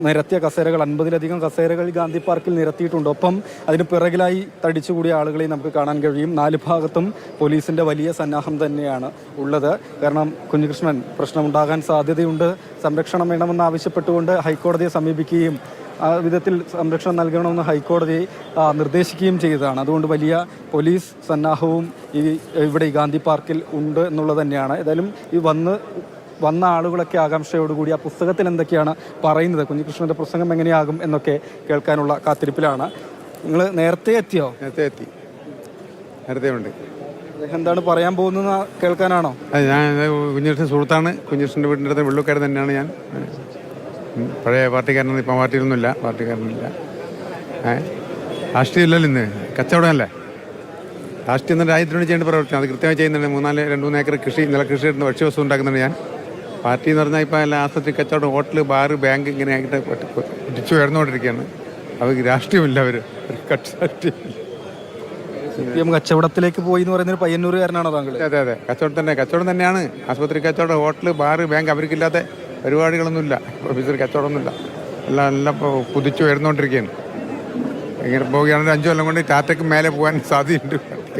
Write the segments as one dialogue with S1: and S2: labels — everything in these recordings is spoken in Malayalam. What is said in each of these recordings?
S1: നിരത്തിയ കസേരകൾ 50-ലധികം കസേരകൾ ഗാന്ധി പാർക്കിൽ നിരത്തിയിട്ടുണ്ട്. ഒപ്പം അതിന് പിറകിലായി തടിച്ചുകൂടിയ ആളുകളെ നമുക്ക് കാണാൻ കഴിയും. 4 ഭാഗത്തും പോലീസിന്റെ വലിയ സന്നാഹം തന്നെയാണ് ഉള്ളത്. കാരണം കുഞ്ഞികൃഷ്ണൻ പ്രശ്നമുണ്ടാകാൻ സാധ്യതയുണ്ട്, സംരക്ഷണം വേണമെന്ന് ആവശ്യപ്പെട്ടുകൊണ്ട് ഹൈക്കോടതിയെ സമീപിക്കുകയും ആ വിധത്തിൽ സംരക്ഷണം നൽകണമെന്ന് ഹൈക്കോടതി നിർദ്ദേശിക്കുകയും ചെയ്തതാണ്. അതുകൊണ്ട് വലിയ പോലീസ് സന്നാഹവും ഇവിടെ ഈ ഗാന്ധി പാർക്കിൽ ഉണ്ട് എന്നുള്ളത് തന്നെയാണ്. ഏതായാലും ഈ വന്ന ആളുകളൊക്കെ ആകാംക്ഷയോടുകൂടി ആ പുസ്തകത്തിൽ എന്തൊക്കെയാണ് പറയുന്നത്, കുഞ്ഞികൃഷ്ണന്റെ പ്രസംഗം എങ്ങനെയാകും എന്നൊക്കെ കേൾക്കാനുള്ള കാത്തിരിപ്പിലാണ്. നിങ്ങൾ നേരത്തെ എത്തിയോ?
S2: നേരത്തെ ഉണ്ട്.
S1: എന്താണ് പറയാൻ പോകുന്നത് കേൾക്കാനാണോ?
S2: ഞാൻ കുഞ്ഞികൃഷ്ണൻ സുഹൃത്താണ്. കുഞ്ഞികൃഷ്ണൻ്റെ വീടിൻ്റെ അടുത്ത് വെള്ളുക്കാരൻ തന്നെയാണ് ഞാൻ. പഴയ പാർട്ടിക്കാരനൊന്നും ഇപ്പം പാർട്ടിക്കാരനില്ല. രാഷ്ട്രീയം ഇല്ലല്ലോ ഇന്ന്, കച്ചവടമല്ലേ. രാഷ്ട്രീയം തന്നെ രാജ്യത്തിന് വേണ്ടി ചെയ്യേണ്ട പ്രവർത്തനം അത് കൃത്യമായി ചെയ്യുന്നുണ്ട്. 2-3 ഏക്കർ നെൽകൃഷി ഇടുന്ന ഭക്ഷ്യവസ്തു ഉണ്ടാക്കുന്നുണ്ട് ഞാൻ. പാർട്ടി എന്ന് പറഞ്ഞാൽ ഇപ്പോൾ എല്ലാ ആസ്പത്രി, കച്ചവടം, ഹോട്ടൽ, ബാർ, ബാങ്ക് ഇങ്ങനെ ആയിട്ട് പിടിച്ചു ഉയർന്നുകൊണ്ടിരിക്കുകയാണ്. അവർക്ക് രാഷ്ട്രീയമില്ല, അവർ രാഷ്ട്രീയമില്ല.
S1: കച്ചവടത്തിലേക്ക് പോയി എന്ന് പറയുന്നത് പയ്യന്നൂരുകാരനാണോ താങ്കൾ?
S2: അതെ, കച്ചവടം തന്നെയാണ്. ആസ്പത്രി കച്ചവടം, ഹോട്ടൽ, ബാർ, ബാങ്ക് അവർക്കില്ലാത്ത പരിപാടികളൊന്നുമില്ല. ഓഫീസർ കച്ചവടമൊന്നുമില്ല. എല്ലാം കുതിച്ചു ഉയർന്നുകൊണ്ടിരിക്കുകയാണ്. ഇങ്ങനെ പോവുകയാണെങ്കിൽ 5 കൊല്ലം കൊണ്ട് ടാറ്റയ്ക്ക് മേലെ പോകാൻ സാധ്യതയുണ്ട്.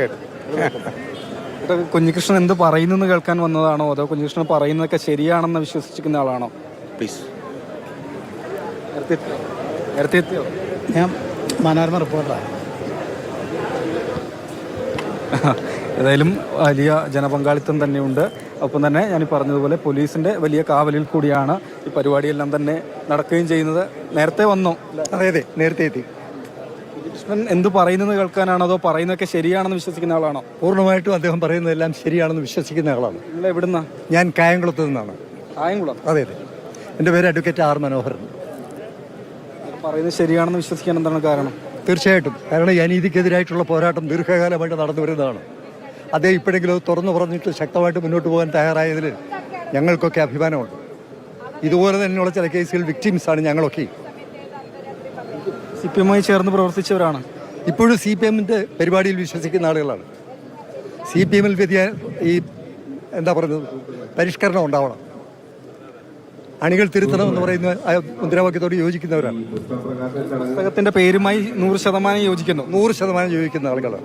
S1: കുഞ്ഞികൃഷ്ണൻ എന്ത് പറയുന്നെന്ന് കേൾക്കാൻ വന്നതാണോ, അതോ കുഞ്ഞികൃഷ്ണൻ പറയുന്നതൊക്കെ ശരിയാണെന്ന് വിശ്വസിക്കുന്ന ആളാണോ?
S2: പ്ലീസ്.
S1: നേരത്തെ എത്തിയോ?
S3: ഞാൻ മനോരമ റിപ്പോർട്ടറാണ്.
S1: ഏതായാലും വലിയ ജനപങ്കാളിത്തം തന്നെയുണ്ട്. ഒപ്പം തന്നെ ഞാൻ പറഞ്ഞതുപോലെ പോലീസിന്റെ വലിയ കാവലിൽ കൂടിയാണ് ഈ പരിപാടിയെല്ലാം തന്നെ നടക്കുകയും ചെയ്യുന്നത്. നേരത്തെ വന്നോ?
S3: അതെ, നേരത്തെ എത്തി.
S1: കൃഷ്ണൻ എന്ത് പറയുന്നത് കേൾക്കാനാണോ, അതോ പറയുന്നതൊക്കെ ശരിയാണെന്ന് വിശ്വസിക്കുന്ന ആളാണോ?
S3: പൂർണ്ണമായിട്ടും അദ്ദേഹം പറയുന്നതെല്ലാം ശരിയാണെന്ന് വിശ്വസിക്കുന്ന ആളാണ്.
S1: നിങ്ങൾ എവിടുന്നാ?
S3: ഞാൻ കായംകുളത്ത് നിന്നാണ്.
S1: കായംകുളം?
S3: അതെ. എൻ്റെ പേര് അഡ്വക്കേറ്റ് ആർ മനോഹരൻ.
S1: പറയുന്നത് ശരിയാണെന്ന് വിശ്വസിക്കാൻ എന്താണ് കാരണം?
S3: തീർച്ചയായിട്ടും, കാരണം ഈ അനീതിക്കെതിരായിട്ടുള്ള പോരാട്ടം ദീർഘകാലമായിട്ട് നടന്നു വരുന്നതാണ്. അദ്ദേഹം ഇപ്പോഴെങ്കിലും അത് തുറന്നു പറഞ്ഞിട്ട് ശക്തമായിട്ട് മുന്നോട്ട് പോകാൻ തയ്യാറായതിൽ ഞങ്ങൾക്കൊക്കെ അഭിമാനമുണ്ട്. ഇതുപോലെ തന്നെയുള്ള ചില കേസുകൾ വിക്ടിംസാണ് ഞങ്ങളൊക്കെ.
S1: CPM ചേർന്ന് പ്രവർത്തിച്ചവരാണ്.
S3: ഇപ്പോഴും CPM-ന്റെ പരിപാടിയിൽ വിശ്വസിക്കുന്ന ആളുകളാണ്. CPM-ൽ പരിഷ്കരണം ഉണ്ടാവണം, അണികൾ തിരുത്തണമെന്ന് പറയുന്ന മുദ്രാവാക്യത്തോട് യോജിക്കുന്നവരാണ്.
S1: പുസ്തകത്തിന്റെ പേരുമായി 100% യോജിക്കുന്നു.
S3: 100% യോജിക്കുന്ന ആളുകളാണ്.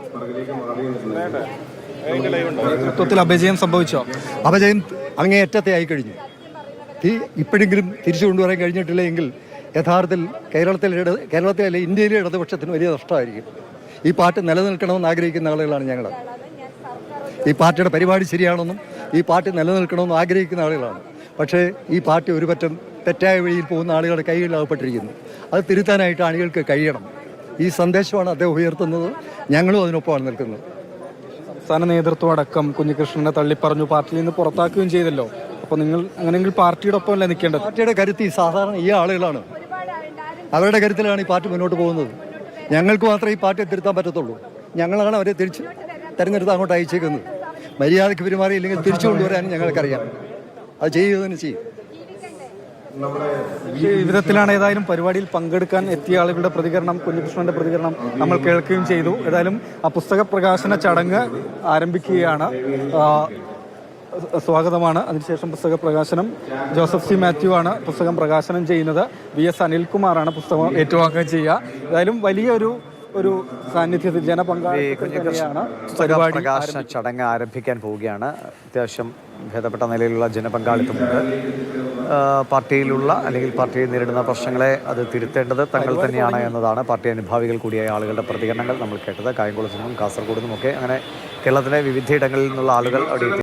S1: നേതൃത്വത്തിൽ അപജയം സംഭവിച്ചോ?
S3: അപജയം അങ്ങേയറ്റത്തെ ആയി കഴിഞ്ഞു. ഇപ്പോഴെങ്കിലും തിരിച്ചു കൊണ്ടുവരാൻ കഴിഞ്ഞിട്ടില്ല എങ്കിൽ യഥാർത്ഥത്തിൽ കേരളത്തിലെ ഇന്ത്യയിലെ ഇടതുപക്ഷത്തിന് വലിയ നഷ്ടമായിരിക്കും. ഈ പാർട്ടി നിലനിൽക്കണമെന്ന് ആഗ്രഹിക്കുന്ന ആളുകളാണ് ഞങ്ങൾ. ഈ പാർട്ടിയുടെ പരിപാടി ശരിയാണെന്നും ഈ പാർട്ടി നിലനിൽക്കണമെന്നും ആഗ്രഹിക്കുന്ന ആളുകളാണ്. പക്ഷേ ഈ പാർട്ടി ഒരു പറ്റം തെറ്റായ വഴിയിൽ പോകുന്ന ആളുകളുടെ കൈകളിലാകപ്പെട്ടിരിക്കുന്നു. അത് തിരുത്താനായിട്ട് ആളുകൾക്ക് കഴിയണം. ഈ സന്ദേശമാണ് അദ്ദേഹം ഉയർത്തുന്നത്. ഞങ്ങളും അതിനൊപ്പമാണ് നിൽക്കുന്നത്.
S1: സംസ്ഥാന നേതൃത്വം അടക്കം കുഞ്ഞികൃഷ്ണനെ തള്ളിപ്പറഞ്ഞു, പാർട്ടിയിൽ നിന്ന് പുറത്താക്കുകയും ചെയ്തല്ലോ. അപ്പോൾ നിങ്ങൾ അങ്ങനെയെങ്കിൽ പാർട്ടിയുടെ ഒപ്പം അല്ലേ നിൽക്കേണ്ടത്?
S3: പാർട്ടിയുടെ കരുത്ത് സാധാരണ ഈ ആളുകളാണ്. അവരുടെ കരുത്തിലാണ് ഈ പാർട്ടി മുന്നോട്ട് പോകുന്നത്. ഞങ്ങൾക്ക് മാത്രമേ ഈ പാർട്ടിയെ തിരുത്താൻ പറ്റത്തുള്ളൂ. ഞങ്ങളാണ് അവരെ തെരഞ്ഞെടുത്ത് അങ്ങോട്ട് അയച്ചേക്കുന്നത്. മര്യാദയ്ക്ക് പെരുമാറിയില്ലെങ്കിൽ തിരിച്ചു കൊണ്ടുവരാനും ഞങ്ങൾക്കറിയാം. അത് ചെയ്യുക തന്നെ ചെയ്യും.
S1: ഈ വിധത്തിലാണ് ഏതായാലും പരിപാടിയിൽ പങ്കെടുക്കാൻ എത്തിയ ആളുകളുടെ പ്രതികരണം, കുഞ്ഞികൃഷ്ണന്റെ പ്രതികരണം നമ്മൾ കേൾക്കുകയും ചെയ്തു. ഏതായാലും ആ പുസ്തക പ്രകാശന ചടങ്ങ് ആരംഭിക്കുകയാണ്. സ്വാഗതമാണ്. അതിനുശേഷം പുസ്തക പ്രകാശനം. ജോസഫ് സി മാത്യു ആണ് പുസ്തകം പ്രകാശനം ചെയ്യുന്നത്. VS അനിൽകുമാറാണ് പുസ്തകം ഏറ്റുവാങ്ങുകയും ചെയ്യുക. ഏതായാലും വലിയൊരു സാന്നിധ്യത്തിൽ ജനപങ്കാളിത്തമാണ് പരിപാടി.
S4: പ്രകാശന ചടങ്ങ് ആരംഭിക്കാൻ പോവുകയാണ്. അത്യാവശ്യം ഭേദപ്പെട്ട നിലയിലുള്ള ജനപങ്കാളിത്തമുണ്ട്. പാർട്ടിയിലുള്ള അല്ലെങ്കിൽ പാർട്ടിയെ നേരിടുന്ന പ്രശ്നങ്ങളെ അത് തിരുത്തേണ്ടത് തങ്ങൾ തന്നെയാണ് എന്നതാണ് പാർട്ടി അനുഭാവികൾ കൂടിയായ ആളുകളുടെ പ്രതികരണങ്ങൾ നമ്മൾ കേട്ടത്. കായംകുളത്തു നിന്നും കാസർഗോഡ് നിന്നുമൊക്കെ അങ്ങനെ കേരളത്തിലെ വിവിധയിടങ്ങളിൽ നിന്നുള്ള ആളുകൾ അവിടെ